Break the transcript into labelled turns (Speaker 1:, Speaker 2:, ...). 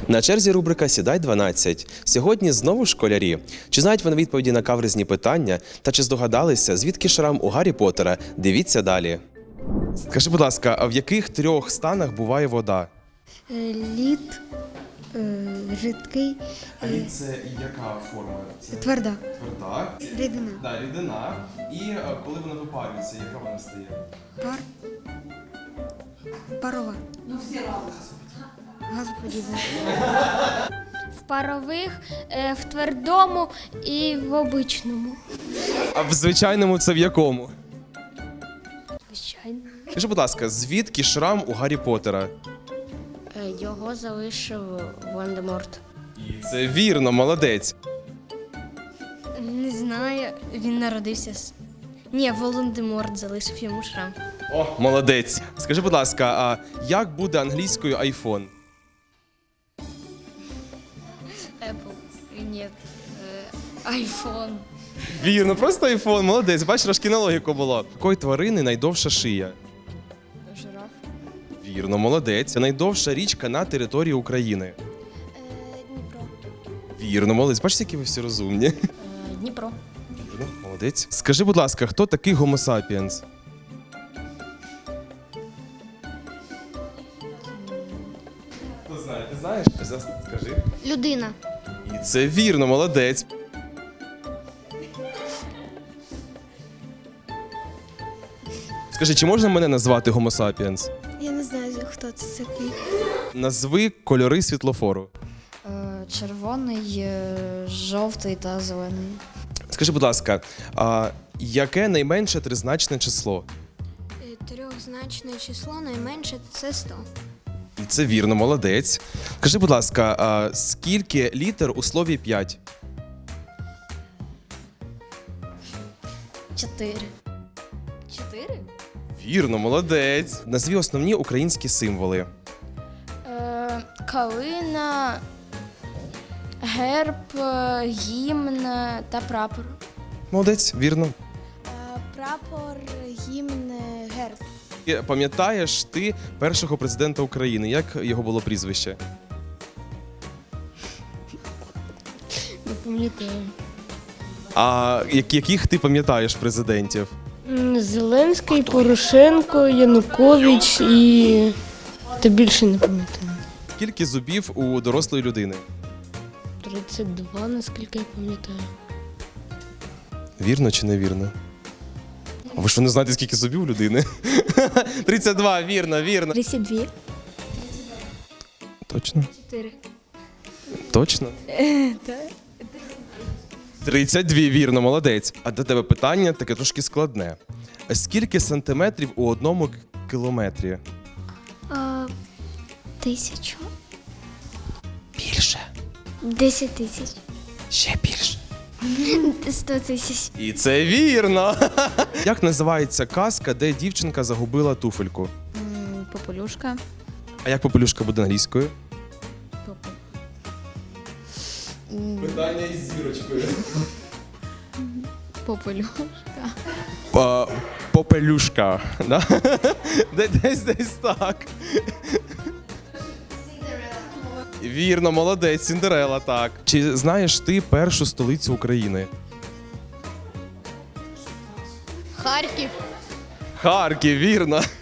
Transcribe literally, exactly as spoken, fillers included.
Speaker 1: На черзі рубрика «Сідай дванадцять». Сьогодні знову школярі. Чи знають вони відповіді на каверзні питання? Та чи здогадалися, звідки шрам у Гаррі Поттера? Дивіться далі. Скажи, будь ласка, а в яких трьох станах буває вода?
Speaker 2: Лід, жидкий,
Speaker 1: А лід – це яка форма? Це
Speaker 2: тверда,
Speaker 1: тверда.
Speaker 2: рідина,
Speaker 1: Да, рідина. І коли вона випарюється, яка вона стає?
Speaker 2: пар, парова. Ну, всі разом. Газоподібна.
Speaker 3: В парових, е, в твердому і в обичному.
Speaker 1: А в звичайному це в якому?
Speaker 3: Звичайно.
Speaker 1: Скажи, будь ласка, звідки шрам у Гаррі Поттера?
Speaker 3: Його залишив Волан-де-Морт.
Speaker 1: І це вірно, молодець.
Speaker 3: Не знаю, він народився з. Ні, Волан-де-Морт залишив йому шрам.
Speaker 1: О, молодець. Скажи, будь ласка, а як буде англійською айфон?
Speaker 3: Apple. Ні. Айфон.
Speaker 1: Вірно, просто айфон, молодець. Бачиш, трошки на логіку було. Якої тварини найдовша шия?
Speaker 3: Жираф.
Speaker 1: Вірно, молодець. Це найдовша річка на території України.
Speaker 3: Дніпро.
Speaker 1: Вірно, молодець. Бачиш, які ви всі розумні.
Speaker 3: Дніпро.
Speaker 1: Вірно, молодець. Скажи, будь ласка, хто такий Homo sapiens? Хто знає? Ти знаєш? Скажи.
Speaker 3: Людина.
Speaker 1: І це вірно, молодець. Скажи, чи можна мене назвати Homo sapiens?
Speaker 2: Я не знаю, хто це такий.
Speaker 1: Назви кольори світлофору.
Speaker 4: Червоний, жовтий та зелений.
Speaker 1: Скажи, будь ласка, а яке найменше тризначне число?
Speaker 2: Трьохзначне число найменше це сто.
Speaker 1: І це вірно, молодець. Скажи, будь ласка, а скільки літер у слові п'ять?
Speaker 4: Чотири.
Speaker 3: Чотири?
Speaker 1: Вірно, молодець. Назві основні українські символи.
Speaker 3: Е, калина, герб, е, гімн та прапор.
Speaker 1: Молодець, вірно.
Speaker 2: Прапор, гімн, герб.
Speaker 1: І пам'ятаєш ти першого президента України? Як його було прізвище?
Speaker 3: Не пам'ятаю.
Speaker 1: А як- яких ти пам'ятаєш президентів?
Speaker 5: Зеленський, Порошенко, Янукович і та більше не пам'ятаю.
Speaker 1: Скільки зубів у дорослої людини?
Speaker 5: тридцять два, наскільки я пам'ятаю.
Speaker 1: Вірно чи невірно? А ви що не знаєте, скільки зубів у людини? тридцять два, вірно, вірно.
Speaker 2: тридцять два.
Speaker 1: Точно?
Speaker 3: Чотири.
Speaker 1: Точно? тридцять два, вірно, молодець. А до тебе питання таке трошки складне. Скільки сантиметрів у одному к- кілометрі?
Speaker 2: Тисячу.
Speaker 1: Більше.
Speaker 2: Десять тисяч.
Speaker 1: Ще більше.
Speaker 2: Сто тисяч.
Speaker 1: І це вірно. Як називається казка, де дівчинка загубила туфельку?
Speaker 4: Попелюшка.
Speaker 1: А як попелюшка буде англійською? Питання із зірочкою.
Speaker 4: Попелюшка.
Speaker 1: По- Попелюшка. Да? Де- Десь десь так. Вірно, молодець, Сіндерела, так. Чи знаєш ти першу столицю України?
Speaker 4: Харків.
Speaker 1: Харків, вірно.